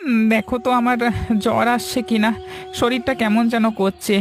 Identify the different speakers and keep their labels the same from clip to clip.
Speaker 1: দেখো তো আমার জ্বর আসছে কিনা, শরীরটা কেমন যেন করছে।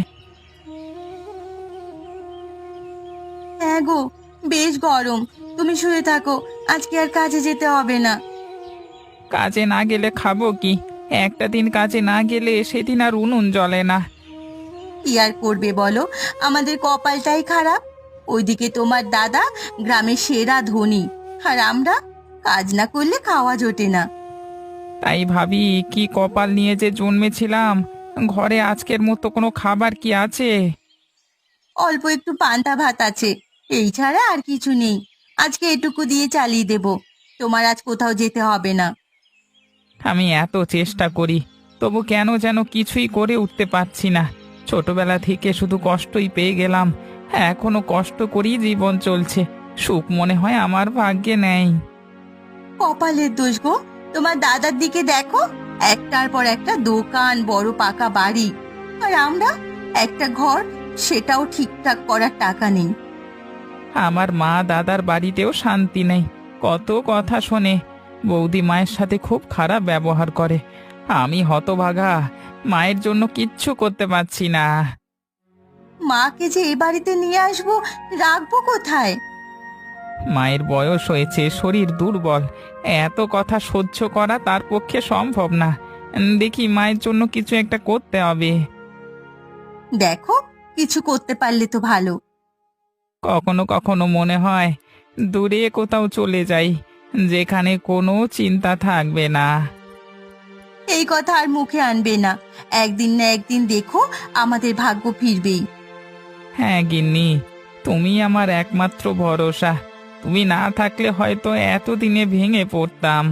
Speaker 2: হ্যাঁ গো, বেশ গরম। তুমি শুয়ে থাকো, আজকে আর কাজে যেতে হবে না।
Speaker 1: কাজে না গেলে খাবো কি? একটা দিন কাজে না গেলে সেদিন আর উনুন জ্বলে না।
Speaker 2: কি আর করবে বলো, আমাদের কপালটাই খারাপ। ওইদিকে তোমার দাদা গ্রামের সেরা ধনী, আর আমরা কাজ না করলে খাওয়া জোটে না।
Speaker 1: তাই ভাবি, কি কপাল নিয়ে যে জন্মেছিলাম। ঘরে আজকের মতো কোনো খাবার কি আছে?
Speaker 2: অল্প একটু পান্তা ভাত আছে, এই ছাড়া আর কিছু নেই। আজকে এটুকু দিয়ে চালিয়ে দেব, তোমার আজ কোথাও যেতে হবে না।
Speaker 1: আমি এত চেষ্টা করি, তবু কেন যেন কিছুই করে উঠতে পারছি না। ছোটবেলা থেকে শুধু কষ্টই পেয়ে গেলাম। এখনো কষ্ট করেই জীবন চলছে। সুখ মনে হয় আমার ভাগ্যে নেই।
Speaker 2: কপালের দোষ গো, তোমার দাদার দিকে দেখো, একটার পর একটা দোকান, বড় পাকা বাড়ি। আর আমরা একটা ঘর, সেটাও ঠিকঠাক করার টাকা নেই।
Speaker 1: আমার মা দাদার বাড়িতেও শান্তি নেই। কত কথা শোনে। বৌদি মায়ের সাথে খুব খারাপ ব্যবহার করে। আমি হতভাগা, মায়ের জন্য কিচ্ছু করতে পারছি না।
Speaker 2: মাকে যে এ বাড়িতে নিয়ে আসবো, রাখবো কোথায়?
Speaker 1: মায়ের বয়স হয়েছে, শরীর দুর্বল। এত কথা সহ্য করা তার পক্ষে সম্ভব না। দেখি মায়ের জন্য কিছু একটা করতে হবে।
Speaker 2: দেখো, কিছু করতে পারলে তো ভালো।
Speaker 1: কখনো কখনো মনে হয় দূরে কোথাও চলে যাই, যেখানে কোনো চিন্তা থাকবে না।
Speaker 2: এই কথা আর মুখে আনবে না। একদিন না একদিন দেখো, আমাদের ভাগ্য ফিরবেই।
Speaker 1: হ্যাঁ গিন্নি, তুমি আমার একমাত্র ভরসা। তুমি না থাকলে হয়তো এতদিনে ভেঙে পড়তাম।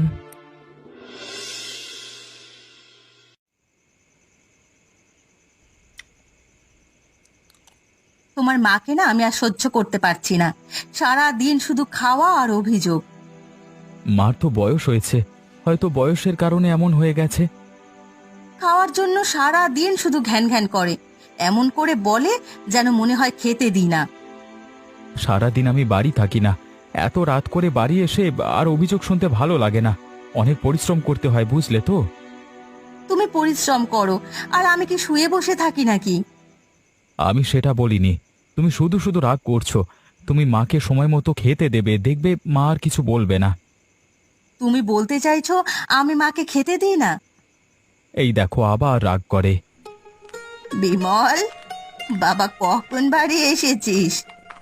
Speaker 2: তোমার মাকে না আমি আর সহ্য করতে পারছি না। সারা দিন শুধু খাওয়া আর অভিযোগ।
Speaker 3: মার তো বয়স হয়েছে, হয়তো বয়সের কারণে এমন হয়ে গেছে।
Speaker 2: খাওয়ার জন্য সারা দিন শুধু ঘ্যান ঘ্যান করে, এমন করে বলে যেন মনে হয় খেতে দিই না।
Speaker 3: সারাদিন আমি বাড়ি থাকি না, এত রাত করে বাড়ি এসে আর অভিযোগ শুনতে ভালো লাগে না। অনেক পরিশ্রম করতে হয়, বুঝলে তো।
Speaker 2: তুমি পরিশ্রম করো, আর আমি কি শুয়ে বসে থাকি নাকি?
Speaker 3: আমি সেটা বলিনি। তুমি শুধু শুধু রাগ করছো। তুমি মাকে সময় মতো খেতে দেবে, দেখবে মা আর কিছু বলবে না।
Speaker 2: তুমি বলতে চাইছো আমি মাকে খেতে দিই না?
Speaker 3: এই দেখো আবার রাগ করে।
Speaker 2: বিমল, বাবা কখন বাড়ি এসেছিস?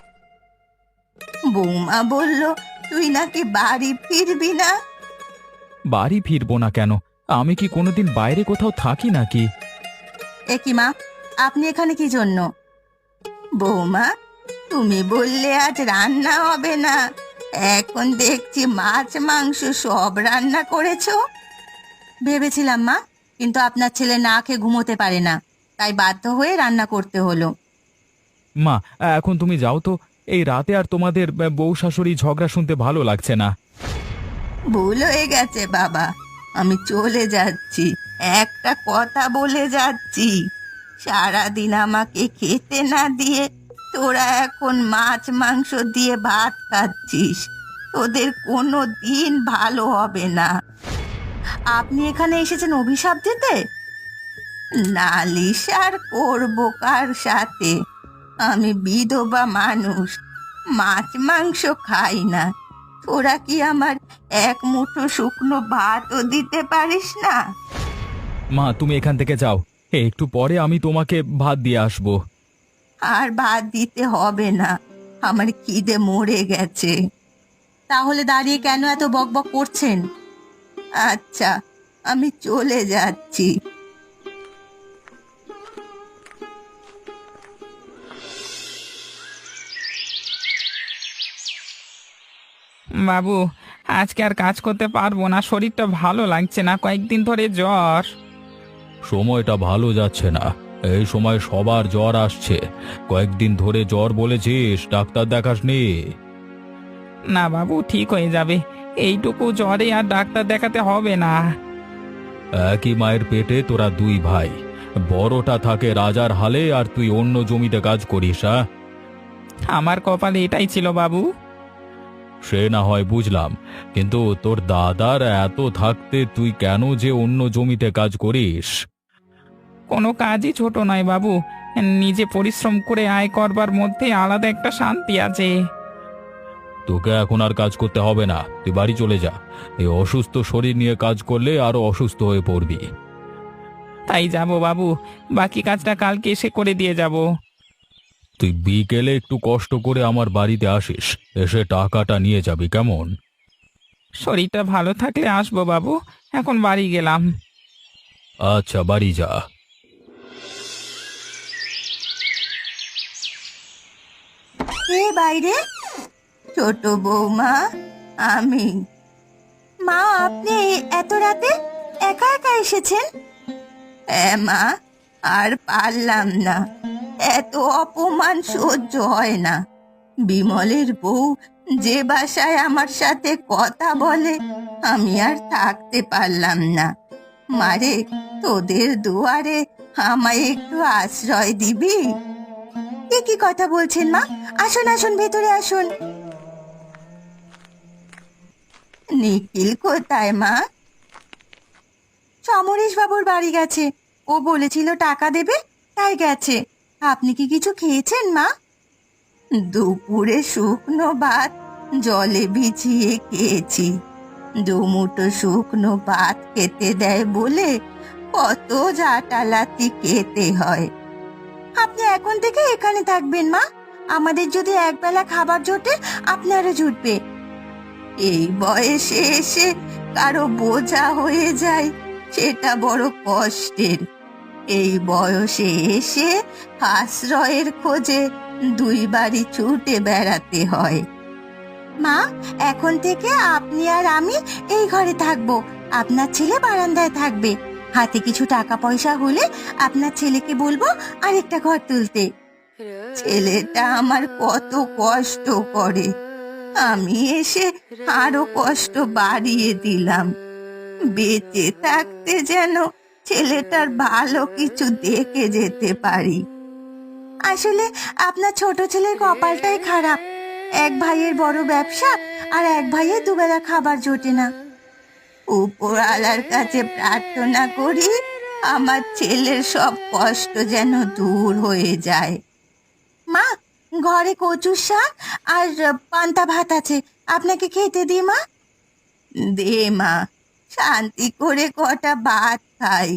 Speaker 2: বৌমা বলল তুই নাকি বাড়ি ফিরবি না।
Speaker 3: বাড়ি ফিরবো না কেন? আমি কি কোনোদিন বাইরে কোথাও থাকি নাকি?
Speaker 2: এ কি মা, আপনি এখানে কি জন্য? বৌমা, তুমি বললে আজ রান্না হবে না, এখন দেখছি মাছ মাংস সব রান্না করেছো। ভেবেছিলাম মা, কিন্তু আপনার ছেলে না খেয়ে ঘুমোতে পারে না, তাই বাধ্য হয়ে রান্না করতে হলো।
Speaker 3: মা, এখন তুমি যাও তো। এই রাতে আর তোমাদের বউ শাশুড়ি ঝগড়া শুনতে ভালো লাগছে না।
Speaker 2: ভুল হয়ে গেছে বাবা, আমি চলে যাচ্ছি। একটা কথা বলে যাচ্ছি, সারাদিন আমাকে খেতে না দিয়ে তোরা এখন মাছ মাংস দিয়ে ভাত খাচ্ছিস। তোদের কোনো দিন ভালো হবে না। আপনি এখানে এসেছেন অভিশাপ দিতে? নালিশ আর করবো কার সাথে? আমি বিধবা মানুষ, মাছ মাংস খাই না। তোরা কি আমার এক মুঠো শুকনো ভাতও দিতে পারিস না?
Speaker 3: মা, তুমি এখান থেকে যাও। একটু পরে আমি তোমাকে ভাত দিয়ে আসবো।
Speaker 2: আর ভাত দিতে হবে না, আমার খিদে মরে গেছে। তাহলে দাঁড়িয়ে কেন এত বকবক করছেন? আচ্ছা, আমি চলে যাচ্ছি।
Speaker 1: বাবু, আজকে আর কাজ করতে পারবো না, শরীরটা ভালো লাগছে না, কয়েকদিন ধরে জ্বর।
Speaker 3: সময়টা ভালো যাচ্ছে না। এই সময় সবার জ্বর আসছে। কয়েকদিন ধরে জ্বর বলেছিস, ডাক্তার দেখাসনি?
Speaker 1: না বাবু, ঠিক হয়ে যাবে। এইটুকু জ্বরে আর ডাক্তার দেখাতে হবে না।
Speaker 3: একই মায়ের পেটে তোরা দুই ভাই। বড়টা থাকে রাজার হালে, আর তুই অন্য জমিতে কাজ করিস।
Speaker 1: আমার কপালে এটাই ছিল বাবু।
Speaker 3: সে না হয় বুঝলাম, কিন্তু তোর দাদার এত থাকতে তুই কেন যে অন্য জমিতে কাজ করিস?
Speaker 1: কোনো কাজই ছোট নয় বাবু। নিজে পরিশ্রম করে আয় করবার মধ্যে আলাদা একটা শান্তি আছে।
Speaker 3: তোকে এখন আর কাজ করতে হবে না, তুই বাড়ি চলে যা। এই অসুস্থ শরীর নিয়ে কাজ করলে আরো অসুস্থ হয়ে পড়বি।
Speaker 1: তাই যাব বাবু, বাকি কাজটা কালকে এসে করে দিয়ে যাব।
Speaker 3: তুই বিকেলে একটু কষ্ট করে আমার বাড়িতে আসিস, এসে টাকাটা নিয়ে যাবি, কেমন?
Speaker 1: শরীরটা ভালো থাকলে আসবো বাবু, এখন বাড়ি গেলাম।
Speaker 3: আচ্ছা, বাড়ি যা।
Speaker 2: কে বাইরে? ছোট বৌমা, আমি। মা, আপনি এত রাতে একা একা এসেছেন? হ্যাঁ মা, আর পারলাম না, এত অপমান সহ্য হয় না। বিমলের বউ যে ভাষায় আমার সাথে কথা বলে, আমি আর থাকতে পারলাম না। মারে, তোদের দুয়ারে আমায় একটু আশ্রয় দিবি? কি কথা বলছেন মা? আসুন আসুন, ভেতরে আসুন। নিখিল কোথায় মা? সমরেশ বাবুর বাড়ি গেছে, ও বলেছিল টাকা দেবে, তাই গেছে। আপনি কি কিছু খেয়েছেন মা? দুপুরে শুকনো ভাত জলে ভিজিয়ে খেয়েছি। দুমুঠো শুকনো ভাত খেতে দেয় বলে কত জাটালাতি খেতে হয়। আপনি এখন থেকে এখানে থাকবেন মা, আমাদের যদি একবেলা খাবার জোটে আপনারও জুটবে। এই বয়সে এসে কারো বোঝা হয়ে যায়, সেটা বড় কষ্টের। এই বয়সে এসে আশ্রয়ের খোঁজে দুই বাড়ি ছুটে বেড়াতে হয়। মা, এখন থেকে আপনি আর আমি এই ঘরে থাকবো, আপনার ছেলে বারান্দায় থাকবে। হাতে কিছু টাকা পয়সা হলে আপনার ছেলেকে বলবো আরেকটা ঘর তুলতে। ছেলেটা আমার কত কষ্ট করে, আমি এসে আরো কষ্ট বাড়িয়ে দিলাম। বেঁচে থাকতে যেন ছেলেটার ভালো কিছু দেখে যেতে পারি। আসলে আপনার ছোট ছেলের কপালটাই খারাপ, এক ভাইয়ের বড় ব্যবসা আর এক ভাইয়ের দুবেলা খাবার জোটে না। উপরওয়ালার কাছে প্রার্থনা করি আমার ছেলের সব কষ্ট যেন দূর হয়ে যায়। মা, ঘরে কচুর শাক আর পান্তা ভাত আছে, আপনাকে খেতে দি মা। দে মা, শান্তি করে কটা ভাত খাই।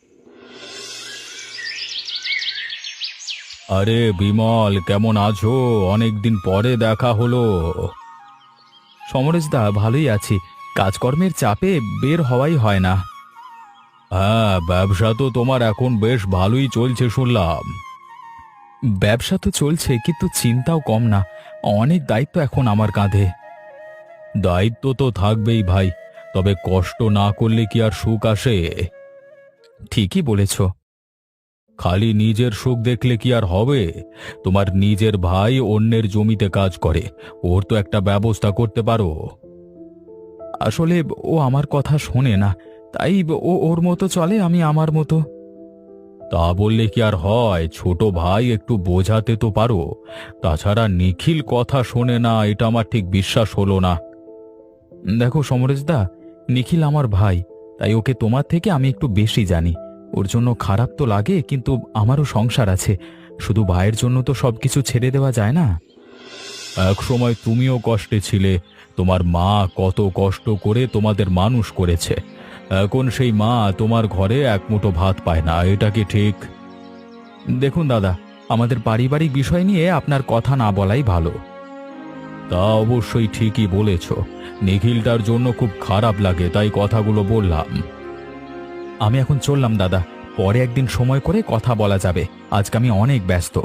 Speaker 3: আরে বিমল, কেমন আছো? অনেকদিন পরে দেখা হলো।
Speaker 1: সমরেশ দা, ভালোই আছি। কাজকর্মের চাপে বের হওয়াই হয় না।
Speaker 3: হ্যাঁ, ব্যবসা তো তোমার এখন বেশ ভালোই চলছে শুনলাম।
Speaker 1: ব্যবসা তো চলছে, কিন্তু চিন্তাও কম না। অনেক দায়িত্ব এখন আমার কাঁধে।
Speaker 3: দায়িত্ব তো থাকবেই ভাই, তবে কষ্ট না করলে কি আর সুখ আসে?
Speaker 1: ঠিকই বলেছ।
Speaker 3: খালি নিজের সুখ দেখলে কি আর হবে? তোমার নিজের ভাই অন্যের জমিতে কাজ করে, ওর তো একটা ব্যবস্থা করতে পারো।
Speaker 1: আসলে ও আমার কথা শোনে না, তাই ও ওর মতো চলে, আমি আমার মতো।
Speaker 3: তা বললে কি আর হয়? ছোট ভাই একটু বোঝাতে তো পারো। তাছাড়া নিখিল কথা শোনে না, এটা আমার ঠিক বিশ্বাস হলো না।
Speaker 1: দেখো সমরেশ দা, নিখিল আমার ভাই, তাই ওকে তোমার থেকে আমি একটু বেশি জানি। ওর জন্য খারাপ তো লাগে, কিন্তু আমারও সংসার আছে। শুধু ভাইয়ের জন্য তো সবকিছু ছেড়ে দেওয়া যায় না।
Speaker 3: এক সময় তুমিও কষ্টে ছিলে, তোমার মা কত কষ্ট করে তোমাদের মানুষ করেছে। এখন সেই মা তোমার ঘরে এক মুঠো ভাত পায় না, এটা কি ঠিক?
Speaker 1: দেখুন দাদা, আমাদের পারিবারিক বিষয় নিয়ে আপনার কথা না বলাই ভালো।
Speaker 3: তা অবশ্যই ঠিকই বলেছ, নিখিলটার জন্য খুব খারাপ লাগে, তাই কথাগুলো বললাম।
Speaker 1: আমি এখন চললাম দাদা, পরে একদিন সময় করে কথা বলা যাবে। আজকে আমি অনেক ব্যস্ত।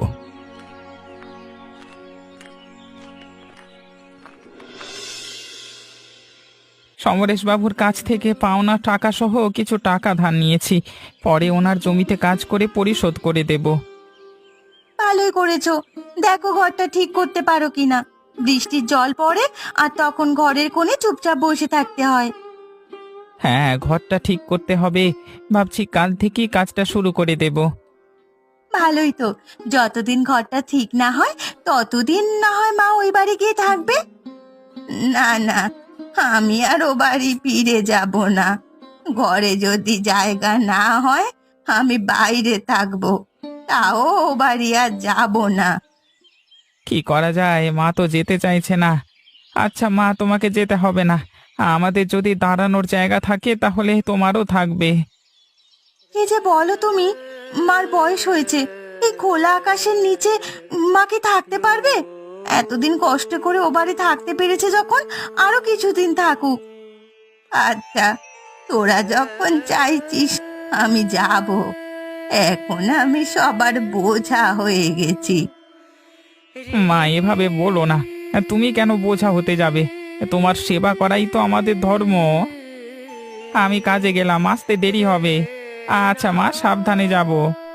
Speaker 1: সমরেশ বাবুর কাছ থেকে পাওনা টাকা সহ কিছু টাকা ধার নিয়েছি, পরে ওনার জমিতে কাজ করে পরিশোধ করে দেব।
Speaker 2: ভালোই করেছো, দেখো ঘরটা ঠিক করতে পারো কিনা। বৃষ্টির জল পড়ে আর তখন ঘরের কোণে চুপচাপ বসে থাকতে হয়।
Speaker 1: হ্যাঁ, ঘরটা ঠিক করতে হবে, ভাবছি কাল থেকেই কাজটা শুরু করে দেব।
Speaker 2: ভালোই তো, যতদিন ঘরটা ঠিক না হয় ততদিন না হয় মা ওই বাড়ি গিয়ে থাকবে। না না, আমি আর ও বাড়ি ফিরে যাব না। ঘরে যদি জায়গা না হয় আমি বাইরে থাকবো, তাও ও বাড়ি আর যাব না।
Speaker 1: কি করা যায়, মা তো যেতে চাইছে না। আচ্ছা মা, তোমাকে যেতে হবে না। আমাদের যদি দাঁড়ানোর জায়গা থাকে তাহলে তোমারও থাকবে।
Speaker 2: কি যে বলো তুমি, মার বয়স হয়েছে, এই খোলা আকাশের নিচে মা কি থাকতে পারবে? এতদিন কষ্ট করে ও বাড়ি থাকতে পেরেছে যখন, আরো কিছুদিন থাকুক। আচ্ছা, তোরা যখন চাইছিস আমি যাব। এখন আমি সবার বোঝা হয়ে গেছি।
Speaker 1: মা, এভাবে বলো না। তুমি কেন বোঝা হতে যাবে? তোমার সেবা করাই তো আমাদের ধর্ম। আমি কাজে গেলাম, আসতে দেরি হবে। আচ্ছা মা, সাবধানে যাব।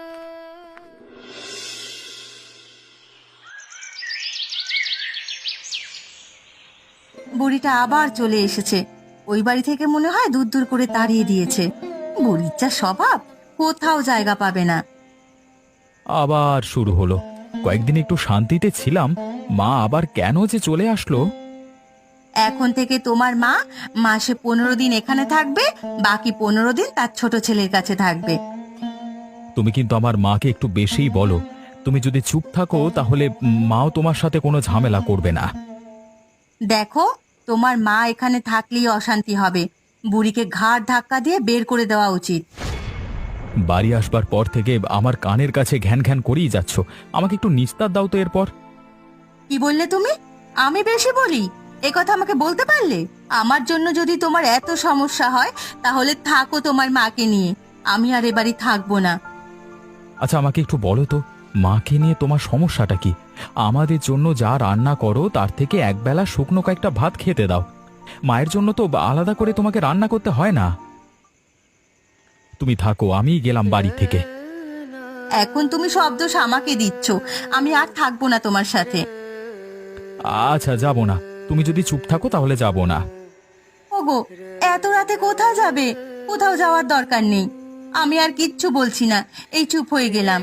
Speaker 2: বুড়িটা আবার চলে এসেছে। ওই বাড়ি থেকে মনে হয় দূর দূর করে তাড়িয়ে দিয়েছে। বুড়ির যা স্বভাব, কোথাও জায়গা পাবে না।
Speaker 3: আবার শুরু হলো। কয়েকদিন একটু শান্তিতে ছিলাম, মা আবার কেন যে চলে আসলো।
Speaker 2: এখন থেকে তোমার মা মাসে 15 দিন এখানে থাকবে, বাকি 15 দিন তার ছোট ছেলের কাছে থাকবে।
Speaker 3: তুমি কিন্তু আমার মাকে একটু বেশিই বলো। তুমি যদি চুপ থাকো তাহলে মাও তোমার সাথে কোনো ঝামেলা করবে না।
Speaker 2: দেখো, তোমার মা এখানে থাকলেই অশান্তি হবে। বুড়িকে ঘাড় ধাক্কা দিয়ে বের করে দেওয়া উচিত।
Speaker 3: বাড়ি আসবার পর থেকে আমার কানের কাছে ঘ্যান ঘ্যান করেই যাচ্ছ। আমাকে একটু নিস্তার দাও তো এরপর।
Speaker 2: কি বললে তুমি? আমি বেশি বলি? এ কথা আমাকে বলতে পারলে? আমার জন্য যদি তোমার এত সমস্যা হয় তাহলে থাকো তোমার মাকে নিয়ে, আমি আর এ বাড়ি থাকবো না।
Speaker 3: আচ্ছা আমাকে একটু বলো তো, মাকে নিয়ে তোমার সমস্যাটা কি? আমাদের জন্য যা রান্না করো তার থেকে একবেলা শুকনো কয়েকটা ভাত খেতে দাও। মায়ের জন্য তো আলাদা করে তোমাকে রান্না করতে হয় না। তুমি থাকো, আমি গেলাম বাড়ি থেকে।
Speaker 2: এখন তুমি সব দোষ আমাকে দিচ্ছ। আমি আর থাকবো না তোমার সাথে।
Speaker 3: আচ্ছা যাব না, তুমি যদি চুপ থাকো তাহলে যাব না।
Speaker 2: ওগো, এত রাতে কোথায় যাবে? কোথাও যাওয়ার দরকার নেই। আমি আর কিচ্ছু বলছি না, এই চুপ হয়ে গেলাম।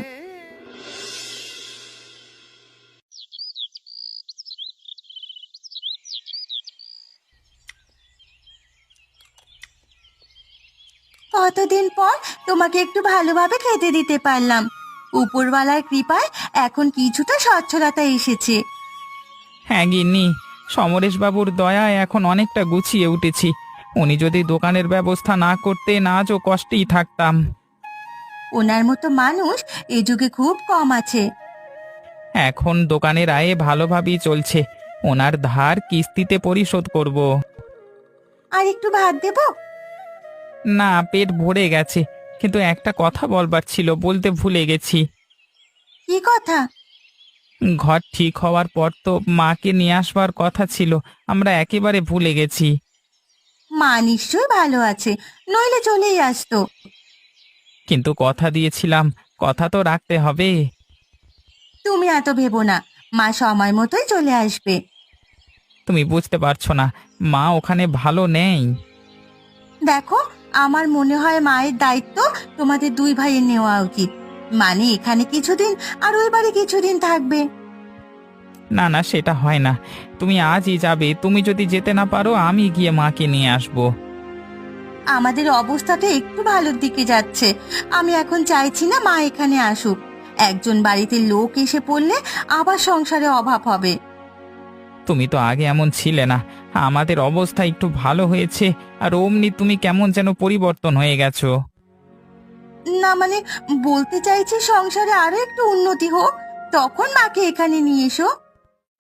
Speaker 2: কতদিন পর তোমাকে একটু ভালোভাবে খেতে দিতে পারলাম। উপরওয়ালার কৃপায় এখন কিছুটা সচ্ছলতা এসেছে।
Speaker 1: হ্যাঁ গিন্নি, সমরেশবাবুর দয়ায় এখন অনেকটা গুছিয়ে উঠেছি। উনি যদি দোকানের ব্যবস্থা না করতেন আজও কষ্টেই থাকতাম।
Speaker 2: ওনার মতো মানুষ এ যুগে খুব কম আছে।
Speaker 1: এখন দোকানের আয়ে ভালোভাবেই চলছে। ওনার ধার কিস্তিতে পরিশোধ করব।
Speaker 2: আর একটু ভাত দেবো?
Speaker 1: না, পেট ভরে গেছে। কিন্তু একটা কথা বলবার ছিল, বলতে ভুলে গেছি।
Speaker 2: কি কথা?
Speaker 1: ঘর ঠিক হওয়ার পর তো মাকে নিয়ে আসবার কথা ছিল, আমরা একেবারে ভুলে গেছি।
Speaker 2: মা নিশ্চয়ই ভালো আছে, নইলে চলেই আসতো।
Speaker 1: কিন্তু কথা দিয়েছিলাম, কথা তো রাখতে হবে।
Speaker 2: তুমি এত ভেবো না, মা সময় মতোই চলে আসবে।
Speaker 1: তুমি বুঝতে পারছো না, মা ওখানে ভালো নেই।
Speaker 2: দেখো, আমার মনে হয় মায়ের দায়িত্ব তোমাদের দুই ভাইয়ের নেওয়া উচিত। মানে এখানে কিছুদিন আর ওই বাড়ি কিছুদিন থাকবে।
Speaker 1: না না, সেটা হয় না। তুমি আজই যাবে। তুমি যদি যেতে না পারো আমি গিয়ে মাকে নিয়ে আসবো।
Speaker 2: আমাদের অবস্থাটা একটু ভালোর দিকে যাচ্ছে। আমি এখন চাইছি না মা এখানে আসুক। একজন বাড়িতে লোক এসে পড়লে আবার সংসারে অভাব হবে।
Speaker 1: তুমি তো আগে এমন ছিলে না। আমাদের অবস্থা একটু ভালো হয়েছে আর অমনি তুমি কেমন যেন পরিবর্তন হয়ে গেছো।
Speaker 2: না মানে, বলতে চাইছি সংসারে আরো একটু উন্নতি হোক, তখন মাকে এখানে নিয়ে এসো।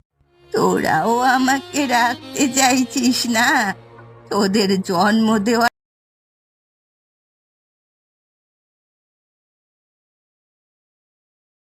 Speaker 2: তোরাও আমাকে রাখতে চাইছিস না? তোদের জন্ম দেওয়া